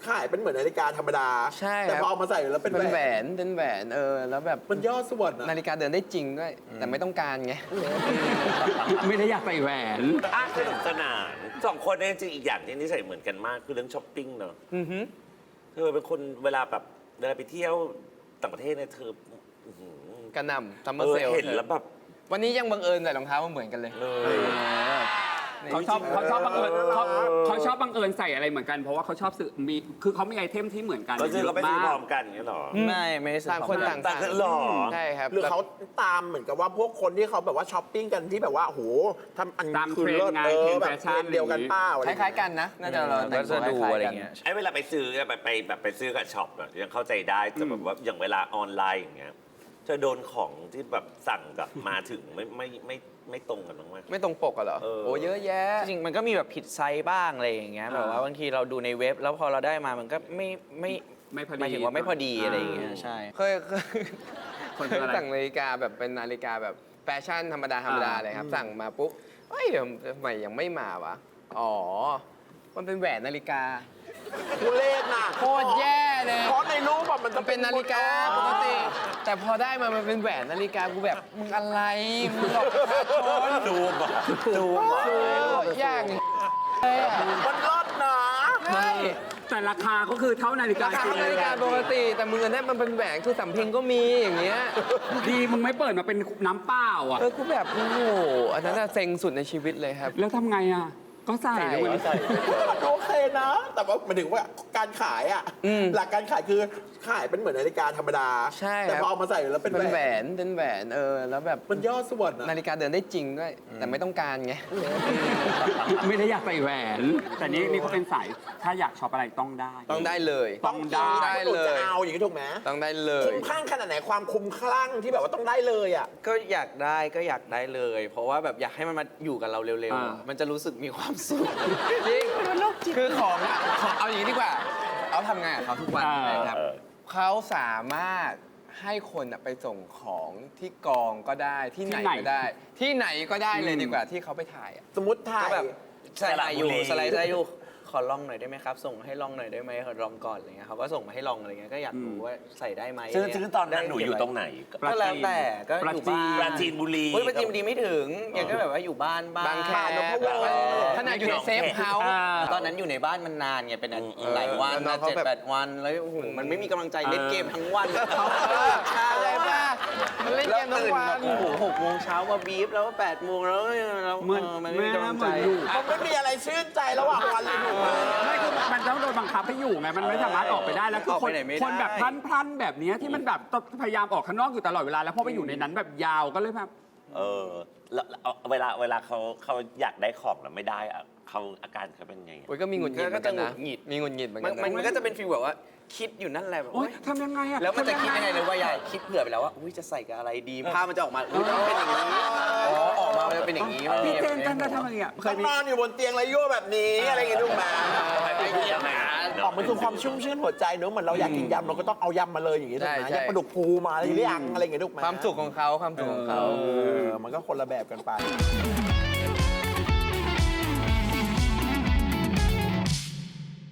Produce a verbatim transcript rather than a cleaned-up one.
ขายเป็นเหมือนนาฬิกาธรรมดาใช่แต่พอเอามาใส่แล้วเป็นแหวนเป็นแหวนเออแล้วแบบมันย่อส่วนนาฬิกาเดินได้จริงด้วยแต่ไม่ต้องการไงไม่ได้อยากใส่แหวนอ่ะสนุกสนานสองคนเนี่ยจริงอีกอย่างที่นิสัยเหมือนกันมากคือเรื่องช้อปปิ้งเนอะเธอเป็นคนเวลาแบบเวลาไปเที่ยวต่างประเทศเนี่ยเธอกระหน่ำซัมเมอร์เซลเห็นแล้วแบบวันนี้ยังบังเอิญใส่รองเท้ามาเหมือนกันเลยเขาชอบเขาชอบบังเอิญเขาเขาชอบบังเอิญใส่อะไรเหมือนกันเพราะว่าเขาชอบซื้อมีคือเขามีไอเทมที่เหมือนกันก็คือเราไปซื้อพร้อมกันอย่างเงี้ยหรอไม่ไม่ต่างคนต่างต่างกันหรอใช่ครับหรือเขาตามเหมือนกับว่าพวกคนที่เขาแบบว่าช้อปปิ้งกันที่แบบว่าโหทำอันคือเลิศเออแบบเดียวกันป้าคล้ายๆกันนะน่าจะเราแต่งตัวดูอะไรเงี้ยไอ้เวลาไปซื้อไปไปแบบไปซื้อกับช็อปยังเข้าใจได้แต่แบบว่าอย่างเวลาออนไลน์อย่างเงี้ยจะโดนของที่แบบสั่งกับมาถึงไม่ไม่ไม่ไม่ตรงกันบ้างไหมไม่ตรงปกเหรอโอ้เยอะแยะจริงมันก็มีแบบผิดไซส์บ้างอะไรอย่างเงี้ยแบบว่าบางทีเราดูในเว็บแล้วพอเราได้มามันก็ไม่ไม่ไม่พอดีหมายถึงว่าไม่พอดีอะไรอย่างเงี้ยใช่เคยเคยสั่งนาฬิกาแบบเป็นนาฬิกาแบบแฟชั่นธรรมดาธรรมดาเลยครับสั่งมาปุ๊บเฮ้ยทำไมยังไม่มาวะอ๋อมันเป็นแหวนนาฬิกาทุเรศน่ะโคตรแย่เลยเพราะในรูปแบบมันจะเป็นนาฬิกาปกติแต่พอได้มามันเป็นแหวนนาฬิกากูแบบมึงอะไรมึงหลอกประชาชนดูบ่ดูบ่อย่างเลยอ่ะมันรอดนะใช่แต่ราคาก็คือเท่านาฬิการาคานาฬิกาปกติแต่มือเนี่ยมันเป็นแหวนคือสำเพ็งก็มีอย่างเงี้ยดีมึงไม่เปิดมาเป็นน้ำเปล่าอ่ะเออกูแบบโอ้โหอันนั้นเซ็งสุดในชีวิตเลยครับแล้วทำไงอ่ะก็ใส่เลยใส่โอเคนะแต่ว่ามันถึงว่าการขายอ่ะหลักการขายคือขายเป็นเหมือนนาฬิกาธรรมดาใช่แต่พอเอามาใส่แล้วเป็นแหวนเป็นแหวนเออแล้วแบบมันย่อส่วนนาฬิกาเดินได้จริงด้วยแต่ไม่ต้องการไงไม่ได้อยากใส่แหวนแต่นี่นี่เขาเป็นสายถ้าอยากช็อปอะไรต้องได้ต้องได้เลยต้องได้เลยจะเอาอย่างนี้ถูกไหมต้องได้เลยคุ้มคลั่งขนาดไหนความคุ้มคลั่งที่แบบว่าต้องได้เลยอ่ะก็อยากได้ก็อยากได้เลย เพราะว่าแบบอยากให้มันมาอยู่กับเราเร็วๆมันจะรู้สึกมีความสุขจริงคือของของเอาอย่างนี้ดีกว่าเอาทำงานกับเขาทุกวันนะครับเขาสามารถให้คนไปส่งของที่กองก็ได้ที่ไหนก็ได้ที่ไหนก็ได้เลยดีกว่าที่เขาไปถ่ายสมมติถ่ายแบบสไลด์อยู่สไลด์ได้อยู่ขอลองหน่อยได้ไหมครับส่งให้ลองหน่อยได้ไหมขอลองก่อนอะไรเงี้ยเขาก็ส่งมาให้ลองอะไรเงี้ยก็อยากรู้ว่าใส่ได้ไหมซึ่งซึ่งตอนนั้นหนูอยู่ตรงไหนก็แล้วแต่ก็อยู่บ้านปราจีนบุรีปราจีนบุรีไม่ถึงอย่างก็แบบว่าอยู่บ้านบ้านบางแคขนาดอยู่ในเซฟเฮาส์ตอนนั้นอยู่ในบ้านมันนานไงเป็นหลายวันมาเจ็ดแปดวันแล้วมันไม่มีกำลังใจเล่นเกมทั้งวันอะไรบ้ามันเล่นเกมทั้งวันโอ้โหหกโมงเช้ามาบีฟแล้วแปดโมงแล้วมันไม่มีกำลังใจมันไม่มีอะไรชื่นใจระหว่างวันเลยถูกไหมไม่คือมันต้องโดนบังคับให้อยู่ไงมันไม่สามารถออกไปได้แล้วคือคนคนแบบพลันพลันแบบนี้ที่มันแบบพยายามออกข้างนอกอยู่ตลอดเวลาแล้วพอไปอยู่ในนั้นแบบยาวก็เลยแบบเออแล้วเวลาเวลาเขาเขาอยากได้ของแล้วไม่ได้อะเขาอาการเขาเป็นไงโอ้ยก็มีหงุดหงิดก็จะหงุดหงิดมีหงุดหงิดเหมือนกันมันก็จะเป็นฟีลแบบว่าคิดอยู่นั่นแหละแบบทำยังไงอะแล้วมันจะคิดยังไงเลยว่าใหญ่คิดเผื่อไปแล้วว่าอุ้ยจะใส่กับอะไรดีภาพมันจะออกมาอุ้ยต้องเป็นอย่างนี้อ๋อออกมาจะเป็นอย่างนี้พี่เจนกันจะทำอะไรอ่ะเคยนอนอยู่บนเตียงไรยั่วแบบนี้อะไรอย่างเงี้ยถูกไหมไปเที่ยวนะออกมันคือความชุ่มชื่นหัวใจเนอะเหมือนเราอยากกินยำเราก็ต้องเอายำมาเลยอย่างงี้ถูกไหมยำปลาดุกฟูมาอะไรอย่างเงี้ยอะไรอย่างเงี้ยถูกไหมความสุขของเขาความสุขของเขาเออมันก็คนละแบบกันไป